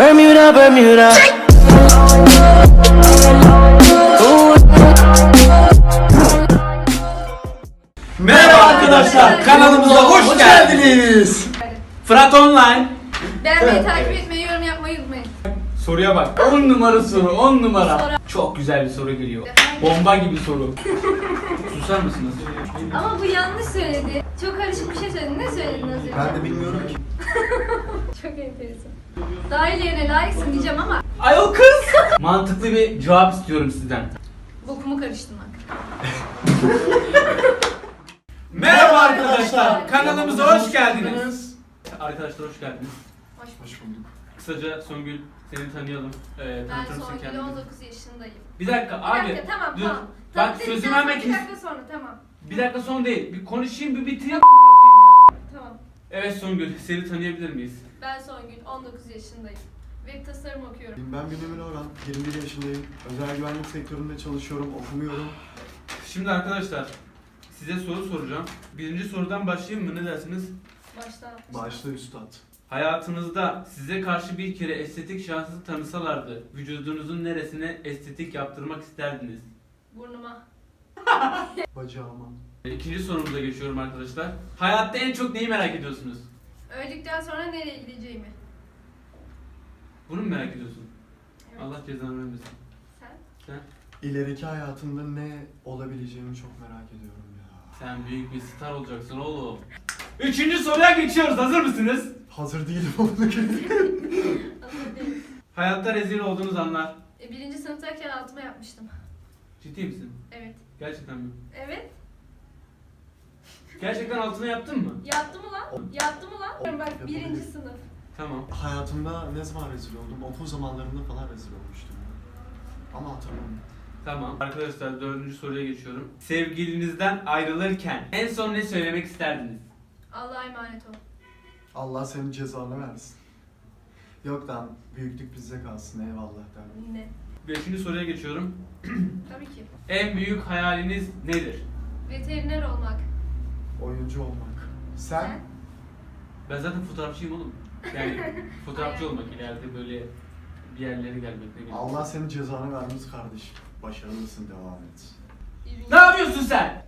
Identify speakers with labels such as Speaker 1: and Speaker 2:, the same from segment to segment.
Speaker 1: Bermuda, Bermuda.
Speaker 2: Merhaba arkadaşlar, kanalımıza hoş geldiniz.
Speaker 3: Fırat Online.
Speaker 4: Beğenmeyi, takip etmeyi, yorum yapmayı unutmayın.
Speaker 3: Soruya bak. 10 numara soru, 10 numara. Çok güzel bir soru geliyor. Bomba gibi soru. Susar mısınız?
Speaker 4: Ama bu yanlış söyledi. Çok karışık bir şey söyledi. Ne söyledin az önce?
Speaker 2: Ben de bilmiyorum ki.
Speaker 4: Çok enteresan. Daha ilerine layıksın diyeceğim ama
Speaker 3: Ayol kız. Mantıklı bir cevap istiyorum sizden.
Speaker 4: bokumu karıştırmak.
Speaker 3: Merhaba arkadaşlar, kanalımıza hoş geldiniz. Arkadaşlar hoş geldiniz.
Speaker 2: Hoş bulduk.
Speaker 3: Kısaca Songül, seni tanıyalım.
Speaker 4: Ben
Speaker 3: Tanıtır mısın
Speaker 4: Songül,
Speaker 3: kendini?
Speaker 4: 19 yaşındayım.
Speaker 3: Bir dakika
Speaker 4: Bir
Speaker 3: abi.
Speaker 4: dakika, tamam
Speaker 3: dur.
Speaker 4: tamam.
Speaker 3: Bak
Speaker 4: Dedikten
Speaker 3: sözümü
Speaker 4: sonra
Speaker 3: hemen
Speaker 4: Bir
Speaker 3: kes.
Speaker 4: dakika sonra tamam.
Speaker 3: Bir dakika son değil. Bir konuşayım, bir bitireyim.
Speaker 4: Tamam.
Speaker 3: Evet Songül, seni tanıyabilir miyiz?
Speaker 4: Ben Songül, 19 yaşındayım. Web tasarım okuyorum.
Speaker 2: Ben Bünyamin Orhan, 21 yaşındayım. Özel güvenlik sektöründe çalışıyorum, okumuyorum.
Speaker 3: Şimdi arkadaşlar, size soru soracağım. Birinci sorudan başlayayım mı? Ne dersiniz?
Speaker 4: Baştan.
Speaker 2: Başta üstad.
Speaker 3: Hayatınızda size karşı bir kere estetik şahsı tanısalardı, vücudunuzun neresine estetik yaptırmak isterdiniz?
Speaker 4: Burnuma.
Speaker 2: Bacağıma.
Speaker 3: İkinci sorumuza geçiyorum arkadaşlar. Hayatta en çok neyi merak ediyorsunuz?
Speaker 4: Öldükten sonra nereye gideceğimi.
Speaker 3: Bunu mu merak ediyorsun?
Speaker 4: Evet.
Speaker 3: Allah cezanı vermesin.
Speaker 4: Sen?
Speaker 2: İleriki hayatımda ne olabileceğimi çok merak ediyorum ya.
Speaker 3: Sen büyük bir star olacaksın oğlum. Üçüncü soruya geçiyoruz. Hazır mısınız?
Speaker 2: Hazır değilim onu
Speaker 4: Hazır değilim.
Speaker 3: Hayatta rezil olduğunuz anlar.
Speaker 4: Birinci sınıftayken altıma yapmıştım.
Speaker 3: Ciddi misin?
Speaker 4: Evet.
Speaker 3: Gerçekten mi?
Speaker 4: Evet.
Speaker 3: Gerçekten altına yaptın mı?
Speaker 4: Yaptım mı lan? Yaptım mı lan? Bak birinci sınıf.
Speaker 3: Tamam.
Speaker 2: Hayatımda ne zaman rezil oldum? Okul zamanlarında falan rezil olmuştum ya. Ama hatırlamıyorum.
Speaker 3: Tamam. Arkadaşlar dördüncü soruya geçiyorum. Sevgilinizden ayrılırken en son ne söylemek isterdiniz?
Speaker 4: Allah'a emanet ol.
Speaker 2: Allah senin cezanı versin. Yok lan, büyüklük bizde kalsın, eyvallah derdim.
Speaker 4: Ne?
Speaker 3: Beşinci soruya geçiyorum.
Speaker 4: Tabii ki.
Speaker 3: En büyük hayaliniz nedir?
Speaker 4: Veteriner olmak.
Speaker 2: Oyuncu olmak. Sen?
Speaker 3: Ben zaten fotoğrafçıyım oğlum. Yani fotoğrafçı olmak ileride böyle bir yerlere gelmek ne bileyim.
Speaker 2: Allah senin cezanı vermiş kardeşim. Başarılısın, devam et.
Speaker 3: Ne yapıyorsun sen?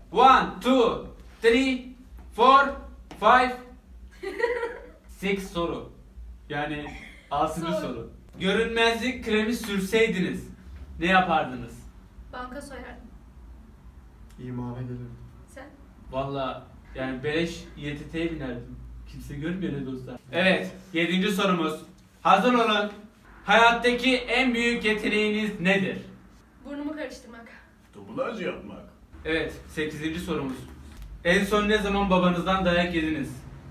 Speaker 3: 1, 2, 3, 4, 5, 6 soru. Yani 6.
Speaker 4: Soru.
Speaker 3: soru. Görünmezlik kremi sürseydiniz ne yapardınız?
Speaker 4: Banka soyardım.
Speaker 2: İmana gelirim.
Speaker 4: Sen?
Speaker 3: Valla yani beleş İETT'ye binerdim. Kimse görmüyor ne dostlar. Evet 7. sorumuz. Hazır olun. Hayattaki en büyük yeteneğiniz nedir?
Speaker 4: Burnumu karıştırmak.
Speaker 2: Dublaj yapmak.
Speaker 3: Evet 8. sorumuz. En son ne zaman babanızdan dayak yediniz?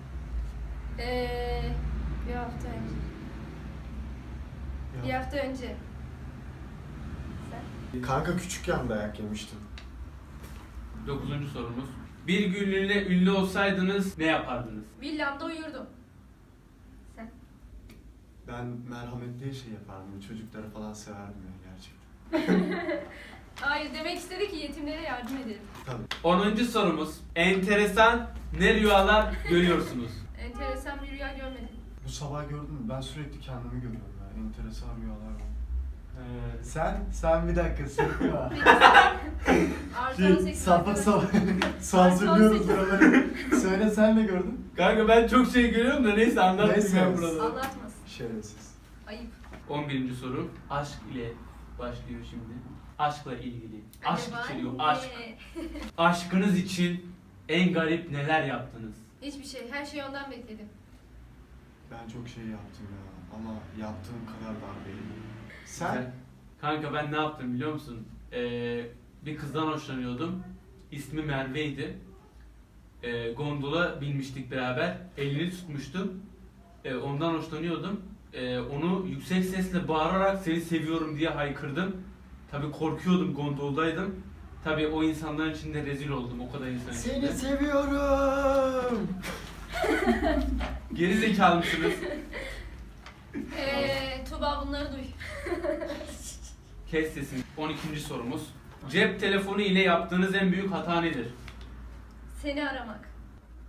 Speaker 4: Bir hafta önce. Bir hafta önce. Sen?
Speaker 2: Kanka küçükken dayak yemiştim.
Speaker 3: 9. sorumuz. Bir günlüğüne ünlü olsaydınız ne yapardınız?
Speaker 4: Villamda uyurdum. Sen?
Speaker 2: Ben merhametli şey yapardım. Çocukları falan severdim ya gerçekten.
Speaker 4: Hayır, demek istedi ki yetimlere yardım edelim.
Speaker 2: Tabii.
Speaker 3: 10. sorumuz. Enteresan ne rüyalar görüyorsunuz?
Speaker 4: Enteresan bir rüya görmedim.
Speaker 2: Bu sabah gördün mü? Ben sürekli kendimi görüyorum ya. Enteresan rüyalar var.
Speaker 3: Ee,
Speaker 2: Sen bir dakika sıkma.
Speaker 4: Artı 18
Speaker 2: Sapık
Speaker 4: arkadaşım.
Speaker 2: su hazırlıyoruz buraları. Söyle sen ne gördün?
Speaker 3: Kanka ben çok şey görüyorum da neyse anlatmayayım
Speaker 2: Neyse.
Speaker 3: ben burada.
Speaker 4: Anlatmasın.
Speaker 2: Şerefsiz.
Speaker 4: Ayıp.
Speaker 3: 11. soru. Aşk ile başlıyor şimdi. Aşkla ilgili. Aşk
Speaker 4: Acaba
Speaker 3: içeriyor.
Speaker 4: ne?
Speaker 3: Aşk. Aşkınız için en garip neler yaptınız?
Speaker 4: Hiçbir şey. Her şeyi ondan bekledim.
Speaker 2: Ben çok şey yaptım ya. Ama yaptığım kadar darbeyim. Sen?
Speaker 3: Kanka ben ne yaptım biliyor musun? Bir kızdan hoşlanıyordum. İsmi Merve'ydi. Gondola binmiştik beraber. Elini tutmuştum. Ondan hoşlanıyordum. Onu yüksek sesle bağırarak seni seviyorum diye haykırdım. Tabii korkuyordum, gondoldaydım. Tabii o insanların içinde rezil oldum, o kadar insan içinde.
Speaker 2: Seni seviyorum.
Speaker 3: Geri zekalı mısınız?
Speaker 4: Tuğba bunları duy.
Speaker 3: Kes sesini. 12. sorumuz. Cep telefonu ile yaptığınız en büyük hata nedir?
Speaker 4: Seni aramak.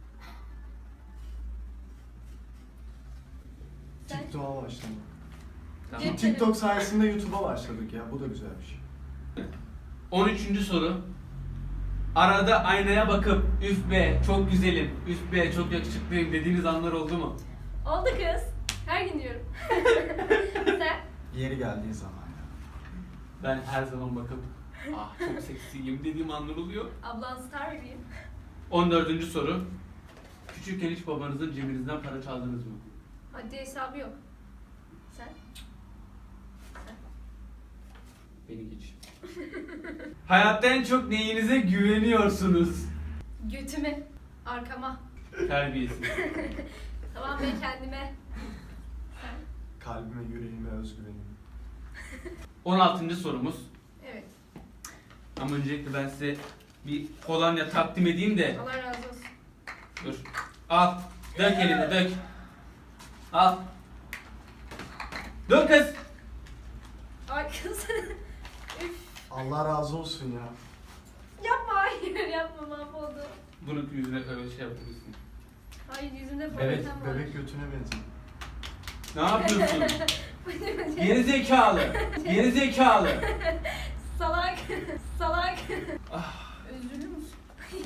Speaker 4: Sen?
Speaker 2: TikTok'a başlamak.
Speaker 3: Tamam.
Speaker 2: TikTok sayesinde YouTube'a başladık ya. Bu da güzel bir şey.
Speaker 3: 13. soru. Arada aynaya bakıp üf be çok güzelim, üf be çok yakışıklıyım dediğiniz anlar oldu mu?
Speaker 4: Oldu kız. Her gün diyorum. Sen?
Speaker 2: Yeri geldiği zaman ya.
Speaker 3: Ben her zaman bakıp ah çok seksiyim dediğim anlar oluyor.
Speaker 4: Ablan star bebeğim.
Speaker 3: 14. soru. Küçükken hiç babanızın cebinizden para çaldınız mı?
Speaker 4: Haddi hesabı yok. Sen?
Speaker 3: Beni geç. Hayatta en çok neyinize güveniyorsunuz?
Speaker 4: Götüme. Arkama.
Speaker 3: Terbiyesiz.
Speaker 4: Tamam ben kendime. Sen?
Speaker 2: Kalbime, yüreğime, özgüvenime.
Speaker 3: 16. sorumuz.
Speaker 4: Evet.
Speaker 3: Ama öncelikle ben size bir kolonya takdim edeyim de.
Speaker 4: Allah razı olsun.
Speaker 3: Dur. Al. Dök eline dök. Al. Dök kız.
Speaker 4: Ay kız. Üf.
Speaker 2: Allah razı olsun ya.
Speaker 4: Yapma hayır yapma mahvoldu.
Speaker 3: Bunu yüzüne öyle şey yapabilirsin.
Speaker 4: Hayır yüzümde
Speaker 3: Evet,
Speaker 4: problem var.
Speaker 2: Bebek götüne benziyor.
Speaker 3: Ne yapıyorsun? Geri zekalı. Geri zekalı.
Speaker 4: Salak. Salak.
Speaker 3: Ah.
Speaker 4: Üzülür müsün?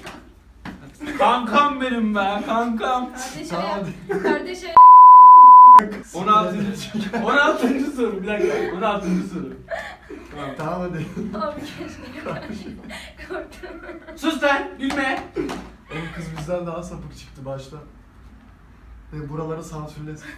Speaker 3: Kankam benim be, kankam.
Speaker 4: Kardeşe
Speaker 2: Tamam,
Speaker 4: yap.
Speaker 2: hadi.
Speaker 4: Kardeşe
Speaker 3: 16. soru bir dakika. 16. soru. Tamam.
Speaker 2: Tamam hadi.
Speaker 4: Abi keşke. Korktum.
Speaker 3: Sus lan, gülme.
Speaker 2: Oğlum kız bizden daha sapık çıktı başta. Ve buraları sansürlesin.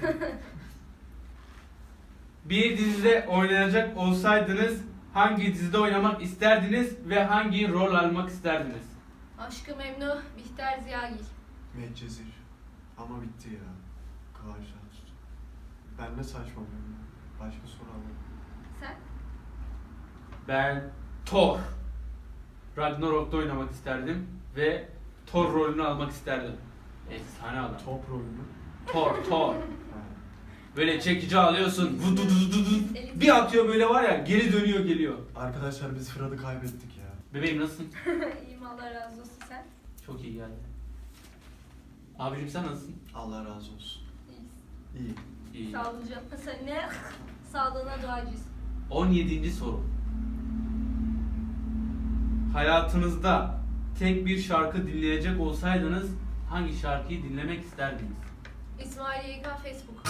Speaker 3: Bir dizide oynayacak olsaydınız hangi dizide oynamak isterdiniz ve hangi rol almak isterdiniz?
Speaker 4: Aşkı Memnu, Bihter Ziyagil.
Speaker 2: Medcezir. Ama bitti ya. Kıvanç Tatlıtuğ. Ben ne saçmalıyorum ya. Başka soru alalım.
Speaker 4: Sen?
Speaker 3: Ben Thor. Ragnarok'ta oynamak isterdim ve Thor rolünü almak isterdim. Efsane adam.
Speaker 2: Top rolü mü?
Speaker 3: Thor.
Speaker 2: Ha.
Speaker 3: Böyle çekici alıyorsun. Vududududu. Bir atıyor böyle var ya geri dönüyor geliyor.
Speaker 2: Arkadaşlar biz Fırat'ı kaybettik ya.
Speaker 3: Bebeğim nasılsın?
Speaker 4: İyiyim Allah razı olsun sen.
Speaker 3: Çok iyi geldi. Abicim sen nasılsın?
Speaker 2: Allah razı olsun.
Speaker 4: İyisin.
Speaker 2: İyi.
Speaker 3: İyi.
Speaker 4: Sağlıcakla sen ne? Sağlığına duacıyız.
Speaker 3: 17. soru. Hayatınızda tek bir şarkı dinleyecek olsaydınız hangi şarkıyı dinlemek isterdiniz?
Speaker 4: İsmail YK Facebook.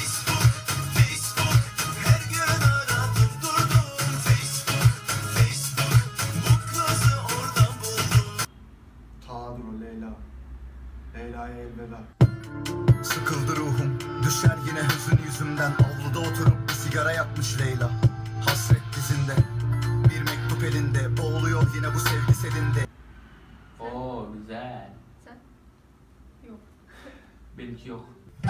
Speaker 1: Her gün aradım durdum Facebook bu kızı oradan buldum.
Speaker 2: Tadro Leyla. Leyla'ya elveda.
Speaker 1: Sıkıldı ruhum düşer yine hüzün yüzümden. Avluda oturup bir sigara yakmış Leyla. Hasret dizinde bir mektup elinde. Boğuluyor yine bu sevgi selinde.
Speaker 3: Oo güzel.
Speaker 4: Sen? Yok.
Speaker 3: Benimki yok.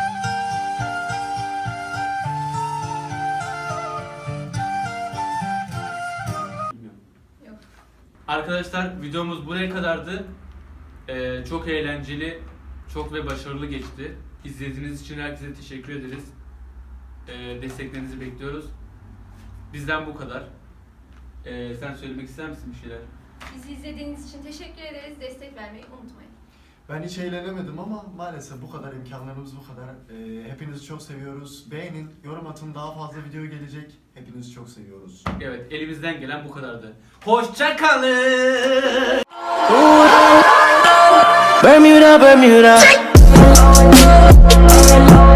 Speaker 3: Bilmiyorum.
Speaker 4: Yok.
Speaker 3: Arkadaşlar videomuz buraya kadardı. Çok eğlenceli, çok ve başarılı geçti. İzlediğiniz için herkese teşekkür ederiz. Desteklerinizi bekliyoruz. Bizden bu kadar. Sen söylemek ister misin bir şeyler?
Speaker 4: Bizi izlediğiniz için teşekkür ederiz. Destek vermeyi unutmayın.
Speaker 2: Ben hiç eğlenemedim ama maalesef bu kadar imkanlarımız bu kadar. Hepinizi çok seviyoruz. Beğenin, yorum atın. Daha fazla video gelecek. Hepinizi çok seviyoruz.
Speaker 3: Evet, elimizden gelen bu kadardı. Hoşça kalın.
Speaker 5: Bermuda, Bermuda.